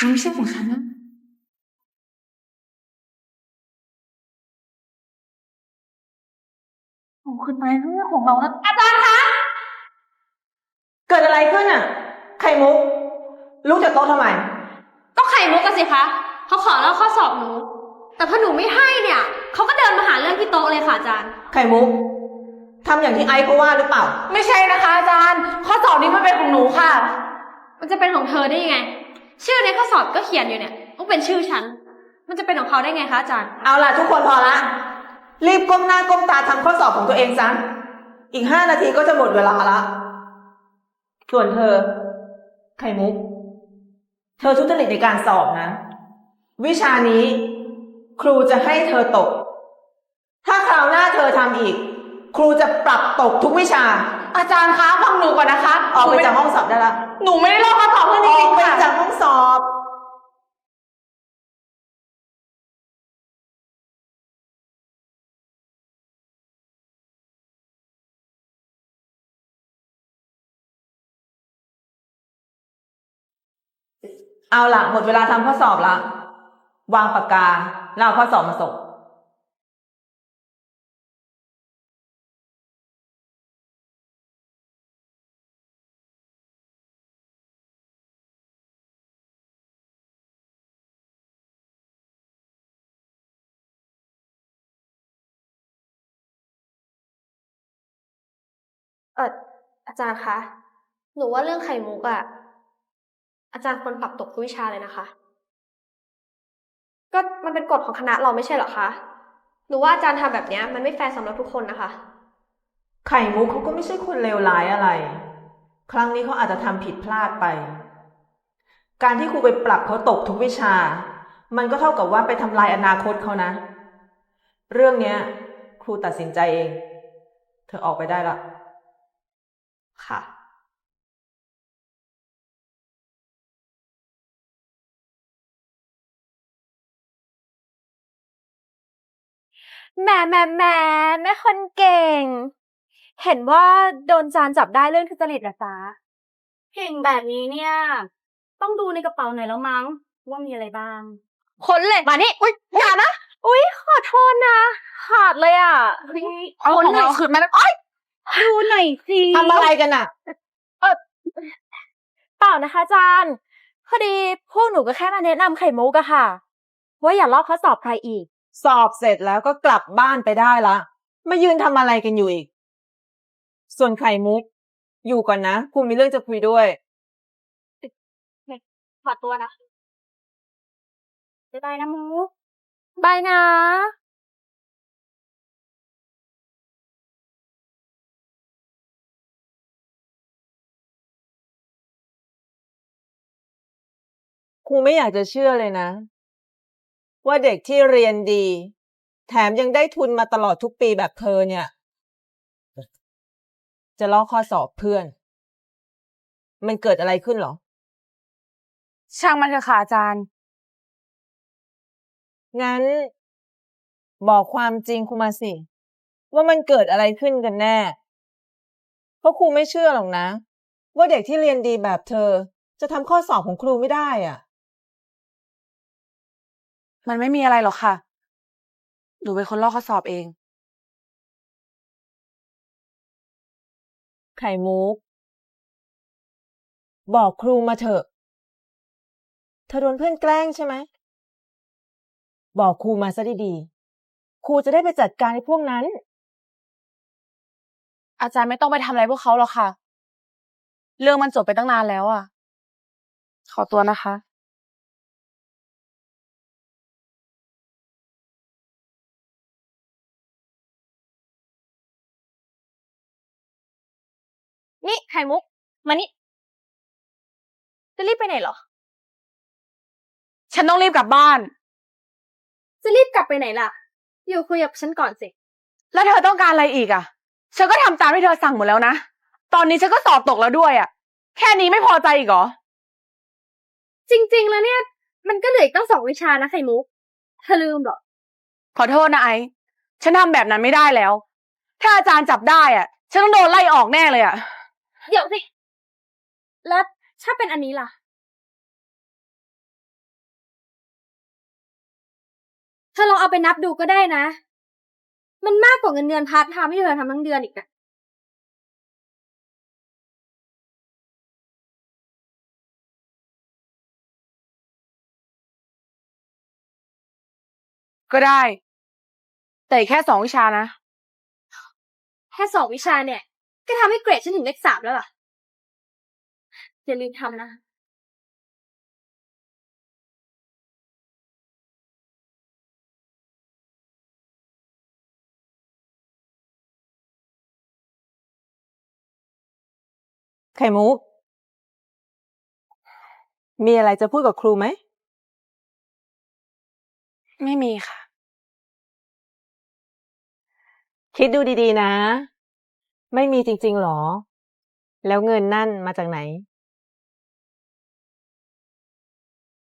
มันไม่ใช่ของฉันนะเอาขึ้นไปเรื่องของเรานะอาจารย์คะเกิดอะไรขึ้นอ่ะไข่มุกลุกจากโต๊ะทำไมก็ไข่มุกกันสิคะเขาขอลอกข้อสอบหนูแต่พอหนูไม่ให้เนี่ยเขาก็เดินมาหาเรื่องที่โต๊ะเลยค่ะอาจารย์ไข่มุกทำอย่างที่ไอซ์เขาว่าหรือเปล่าไม่ใช่นะคะอาจารย์ข้อสอบนี้มันเป็นของหนูค่ะมันจะเป็นของเธอได้ยังไงชื่อในข้อสอบก็เขียนอยู่เนี่ยต้องเป็นชื่อฉันมันจะเป็นของเขาได้ไงคะอาจารย์เอาล่ะทุกคนพอละรีบก้มหน้าก้มตาทำข้อสอบของตัวเองซะอีก5 นาทีก็จะหมดเวลาละส่วนเธอไข่มุกเธอทุจริตในการสอบนะวิชานี้ครูจะให้เธอตกถ้าคราวหน้าเธอทำอีกครูจะปรับตกทุกวิชาอาจารย์คะฟังหนูก่อนนะคะออกไปจากห้องสอบได้ละหนูไม่ได้ลอกข้อสอบเพื่อนจออกไปริงๆค่ะจากห้องสอบ เอาล่ะหมดเวลาทำข้อสอบละวางปากกาแล้วเอาข้อสอบมาส่งเอออาจารย์คะหนูว่าเรื่องไข่มุกอะอาจารย์ควรปรับตกทุกวิชาเลยนะคะก็มันเป็นกฎของคณะเราไม่ใช่เหรอคะหนูว่าอาจารย์ทำแบบนี้มันไม่แฟร์สำหรับทุกคนนะคะไข่มุกเขาก็ไม่ใช่คนเลวร้ายอะไรครั้งนี้เขาอาจจะทำผิดพลาดไปการที่ครูไปปรับเขาตกทุกวิชามันก็เท่ากับว่าไปทำลายอนาคตเขานะเรื่องเนี้ยครูตัดสินใจเองเธอออกไปได้ละค่ะแหมแม่คนเก่ง เห็นว่าโดนจานจับได้เรื่องทุจริตเหรอจ๊ะเก่งแบบนี้เนี่ย ต้องดูในกระเป๋าหน่อยแล้วมั้งว่ามีอะไรบ้างค้นเลยมานี่อุ๊ยอย่านะอุ๊ยขอโทษนะขาดเลยอ่ะเอาของเราคืนมาแล้วอ้อยดูหน่อยสิทำอะไรกันน่ะเออเปล่านะคะอาจารย์พอดีพวกหนูก็แค่มาแนะนำไข่มุกอะค่ะว่าอย่าลอกข้อสอบใครอีกสอบเสร็จแล้วก็กลับบ้านไปได้ละมายืนทำอะไรกันอยู่อีกส่วนไข่มุกอยู่ก่อนนะครูมีเรื่องจะคุยด้วยขอตัวนะบ๊ายบายนะมุกบายนะครูไม่อยากจะเชื่อเลยนะว่าเด็กที่เรียนดีแถมยังได้ทุนมาตลอดทุกปีแบบเธอเนี่ยจะลอกข้อสอบเพื่อนมันเกิดอะไรขึ้นหรอช่างมันเถอะค่ะอาจารย์งั้นบอกความจริงครูมาสิว่ามันเกิดอะไรขึ้นกันแน่เพราะครูไม่เชื่อหรอกนะว่าเด็กที่เรียนดีแบบเธอจะทำข้อสอบของครูไม่ได้อ่ะมันไม่มีอะไรหรอกค่ะหนูเป็นคนลอกข้อสอบเองไข่มุกบอกครูมาเถอะเธอโดนเพื่อนแกล้งใช่ไหมบอกครูมาซะดีๆครูจะได้ไปจัดการไอ้พวกนั้นอาจารย์ไม่ต้องไปทำอะไรพวกเขาหรอกค่ะเรื่องมันจบไปตั้งนานแล้วอ่ะขอตัวนะคะนี่ไข่มุกมานี่จะรีบไปไหนเหรอฉันต้องรีบกลับบ้านจะรีบกลับไปไหนล่ะอยู่คุยกับฉันก่อนสิแล้วเธอต้องการอะไรอีกอ่ะฉันก็ทำตามที่เธอสั่งหมดแล้วนะตอนนี้ฉันก็สอบตกแล้วด้วยอ่ะแค่นี้ไม่พอใจอีกเหรอจริงๆแล้วเนี่ยมันก็เหลืออีกตั้ง2 วิชานะไข่มุกเธอลืมเหรอขอโทษนะไอซ์ฉันทำแบบนั้นไม่ได้แล้ว ถ้าอาจารย์จับได้อ่ะ ฉันต้องโดนไล่ออกแน่เลยอ่ะเดี๋ยวสิแล้วถ้าเป็นอันนี้ล่ะเธอลองเอาไปนับดูก็ได้นะ มันมากกว่าเงินเดือนพาร์ทไทม์ที่เธอทำทั้งเดือนอีกนะก็ได้ แต่อีกแค่2 วิชานะแค่2 วิชาเนี่ย ก็ทำให้เกรดฉันถึงเลข 3แล้วล่ะ อย่าลืมทำนะไข่มุก มีอะไรจะพูดกับครูไหมไม่มีค่ะคิดดูดีๆนะ ไม่มีจริงๆหรอ แล้วเงินนั่นมาจากไหน